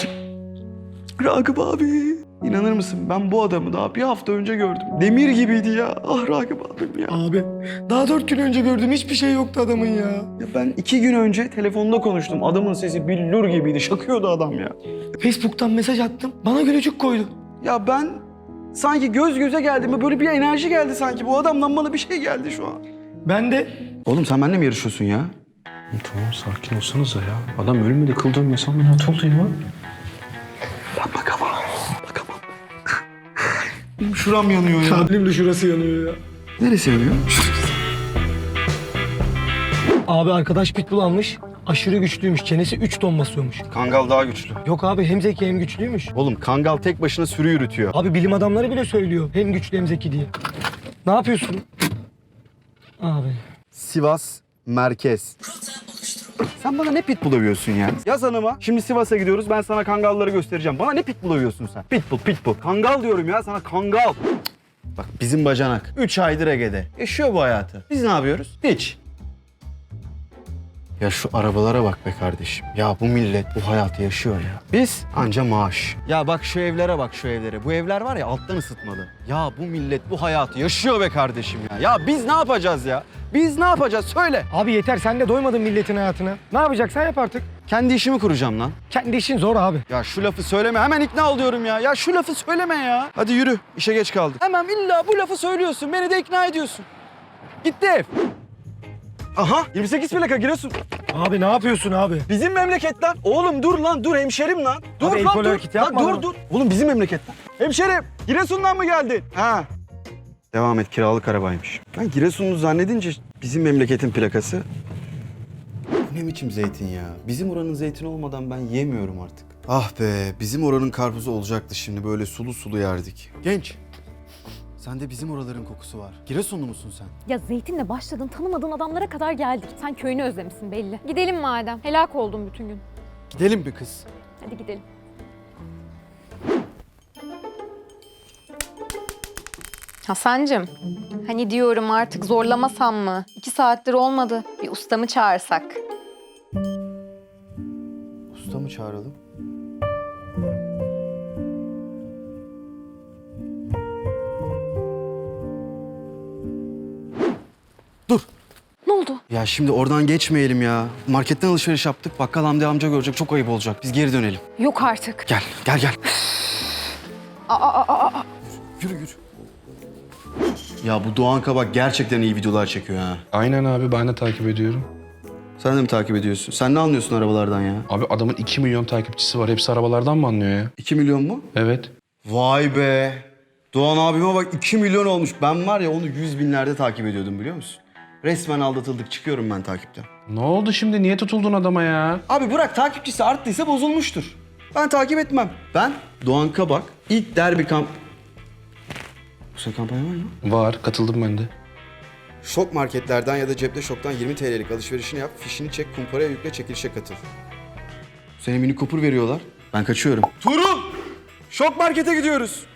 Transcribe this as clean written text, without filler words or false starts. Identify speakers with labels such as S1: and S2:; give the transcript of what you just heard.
S1: Ragıp abi. İnanır mısın ben bu adamı daha bir hafta önce gördüm. Demir gibiydi ya. Ah Ragıp abim ya.
S2: Abi daha 4 gün önce gördüm, hiçbir şey yoktu adamın ya.
S1: Ya ben 2 gün önce telefonda konuştum. Adamın sesi billur gibiydi. Şakıyordu adam ya.
S2: Facebook'tan mesaj attım, bana gülücük koydu.
S1: Ya ben sanki göz göze geldim. Böyle bir enerji geldi sanki. Bu adamdan bana bir şey geldi şu an.
S2: Ben de
S1: Oğlum sen benimle mi yarışıyorsun ya?
S3: Tamam sakin olsanıza ya. Adam ölmedi, kıldı ölmesi ameliyat oldu ya.
S1: Ben bakamam. Bakamam. Benim şuram yanıyor ya.
S2: benim de şurası yanıyor ya.
S1: Neresi yanıyor?
S2: Abi arkadaş pitbull almış, aşırı güçlüymüş, çenesi 3 ton basıyormuş.
S1: Kangal daha güçlü.
S2: Yok abi, hem zeki hem güçlüymüş.
S1: Oğlum kangal tek başına sürü yürütüyor.
S2: Abi bilim adamları bile söylüyor, hem güçlü hem zeki diye. Ne yapıyorsun? Abi.
S1: Sivas merkez. Sen bana ne pitbull övüyorsun ya? Yaz hanıma. Şimdi Sivas'a gidiyoruz. Ben sana kangalları göstereceğim. Bana ne pitbull övüyorsun sen? Pitbull. Kangal diyorum ya sana, kangal. Bak bizim bacanak 3 aydır Ege'de. Yaşıyor bu hayatı. Biz ne yapıyoruz? Hiç. Ya şu arabalara bak be kardeşim. Ya bu millet bu hayatı yaşıyor ya. Biz anca maaş. Ya bak şu evlere bak, şu evlere. Bu evler var ya alttan ısıtmalı. Ya bu millet bu hayatı yaşıyor be kardeşim ya. Ya biz ne yapacağız ya? Biz ne yapacağız? Söyle.
S2: Abi yeter, sen de doymadın milletin hayatına. Ne yapacaksan yap artık.
S1: Kendi işimi kuracağım lan.
S2: Kendi işin zor abi.
S1: Ya şu lafı söyleme. Hemen ikna oluyorum ya. Ya şu lafı söyleme ya. Hadi yürü. İşe geç kaldık. Hemen illa bu lafı söylüyorsun. Beni de ikna ediyorsun. Gitti ev. Aha 28 plaka Giresun.
S2: Abi ne yapıyorsun abi?
S1: Bizim memleket lan. Oğlum dur lan, dur hemşerim lan. Dur
S2: el
S1: lan
S2: kol
S1: dur.
S2: hareketi
S1: Lan
S2: yapma
S1: dur
S2: lan.
S1: dur. Oğlum bizim memleket lan. Hemşerim Giresun'dan mı geldin? Ha. Devam et, kiralık arabaymış. Ben Giresunlu zannedince bizim memleketin plakası. Bu ne biçim zeytin ya? Bizim oranın zeytini olmadan ben yemiyorum artık. Ah be, bizim oranın karpuzu olacaktı şimdi, böyle sulu sulu yerdik. Genç. Sende bizim oraların kokusu var. Giresunlu musun sen?
S4: Ya zeytinle başladın, tanımadığın adamlara kadar geldik. Sen köyünü özlemişsin belli. Gidelim madem. Helak oldum bütün gün.
S1: Gidelim mi kız?
S4: Hadi gidelim. Hasancığım, hani diyorum artık zorlamasam mı? 2 saattir olmadı. Bir ustamı çağırsak.
S1: Usta mı çağıralım? Dur.
S4: Ne oldu?
S1: Ya şimdi oradan geçmeyelim ya. Marketten alışveriş yaptık. Bakkal Hamdi amca görecek. Çok ayıp olacak. Biz geri dönelim.
S4: Yok artık.
S1: Gel.
S4: Aa.
S1: Yürü. Ya bu Doğan Kabak gerçekten iyi videolar çekiyor ha.
S3: Aynen abi, ben de takip ediyorum.
S1: Sen de mi takip ediyorsun? Sen ne anlıyorsun arabalardan ya?
S3: Abi adamın 2 milyon takipçisi var. Hepsi arabalardan mı anlıyor ya?
S1: 2 milyon mu?
S3: Evet.
S1: Vay be. Doğan abime bak 2 milyon olmuş. Ben var ya onu 100 binlerde takip ediyordum, biliyor musun? Resmen aldatıldık. Çıkıyorum ben takipten.
S3: Ne oldu şimdi? Niye tutuldun adama ya?
S1: Abi bırak, takipçisi arttıysa bozulmuştur. Ben takip etmem. Ben Doğan Kabak ilk derbi Bu sene kampanya var mı?
S3: Var, katıldım ben de.
S1: Şok marketlerden ya da cepte şoktan 20 TL'lik alışverişini yap, fişini çek, kumparaya yükle, çekilişe katıl. Bu sene mini Cooper veriyorlar. Ben kaçıyorum. Tuğrul! Şok markete gidiyoruz.